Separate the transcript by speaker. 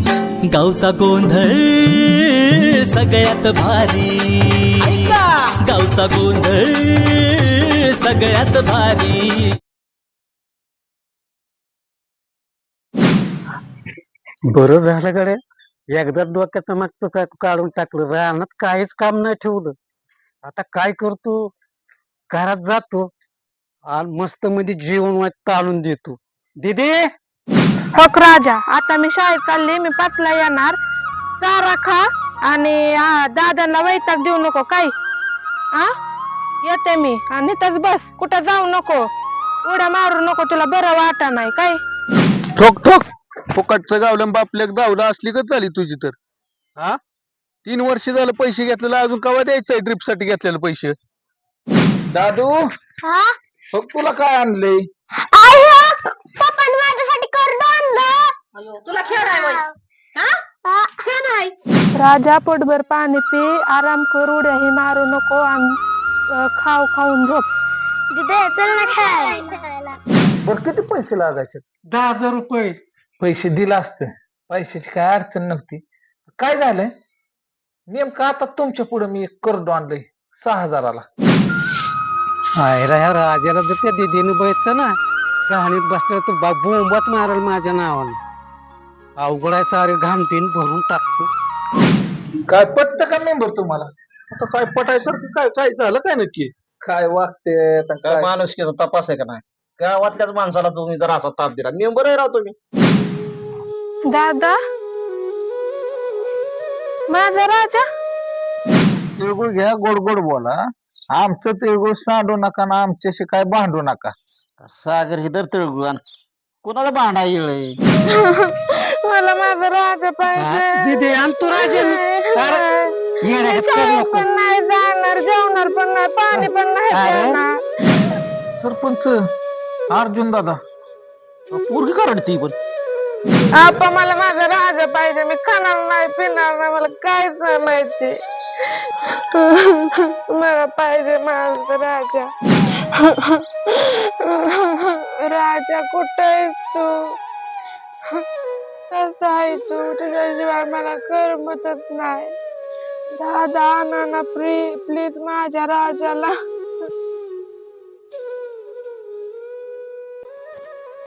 Speaker 1: गावचा गोंधळ सगळ्यात भारी, गावचा गोंधळ सगळ्यात भारी.
Speaker 2: बरं झालं गड्या, एकदा डोक्याचं मागचं काढून टाकलं. रानात काहीच काम नाही ठेवलं. आता काय करतो, घरात जातो आणि मस्त मध्ये जेवण ताणून देतो. दीदी
Speaker 3: हक राजा, आता मी शाळेत चालली, मी 5ला येणार. चारा खा आणि दादांना वैताग देऊ नको काय. येते मी आणि इथंच बस, कुठं जाऊ नको, उड्या मारू नको, तुला बरं वाटा नाही काय.
Speaker 4: ठोक ठोक फुकटचं गावलं बापल्या धावलं असली का झाली तुझी तर. 3 वर्ष झालं पैसे घेतलेलं, अजून कवा द्यायचंय ट्रिप साठी घेतलेलं पैसे. दादू बघ तुला काय आणलंय.
Speaker 3: तुला खेळ राजा, पोटभर पाणी पी, आराम कर, उड्याही मारू नको आणि खाऊन झोप.
Speaker 2: बर किती पैसे लागायचे? 10,000 रुपये. पैसे दिला असतं, पैशाची काय अडचण नव्हती. काय झालंय नेमकं आता तुमच्या पुढे मी एक कर्ड आणलंय 6,000ला. ह्या राजाला जर त्या दिदीने बघितलं ना, कहाणीत बसल्या तर बोंबात मारल माझ्या नावानं. अवघड आहे, सारे घाणपीन भरून टाकतो.
Speaker 4: काय पटत का मेंबर तुम्हाला? आता काय पटायसारखं काय काय झालं काय नक्की? काय वागते काय
Speaker 5: माणुसकीचा तपास आहे का नाही? गावातल्याच माणसाला तुम्ही जर असा ताप दिला, मेंबर आहे राव तुम्ही.
Speaker 3: दादा, माझा राजा.
Speaker 4: तिळगुळ घ्या, गोड गोड बोला. आमचं तिळगुळ सांडू नका ना आमच्याशी काय भांडू नका.
Speaker 5: सागर ही तर तिळगुळ कोणाला भांडा येळ.
Speaker 3: मला माझा राजा पाहिजे.
Speaker 2: दीदी आणतो राजा.
Speaker 3: शाळेत पण नाही जाणार, जेवणार पण नाही, पाणी पण नाही पिणार.
Speaker 4: सरपंच अर्जुन दादा
Speaker 5: पोरगी करडती पण.
Speaker 3: आपा, मला माझा राजा पाहिजे. मी खाणार नाही, पिणार नाही, मला काहीच माहिती. मला पाहिजे माझा राजा. राजा कुठं आहेस तू? कसं आहे तू? तुझ्याशिवाय मला करमतच नाही. दादा, नाना, प्लीज माझ्या राजाला.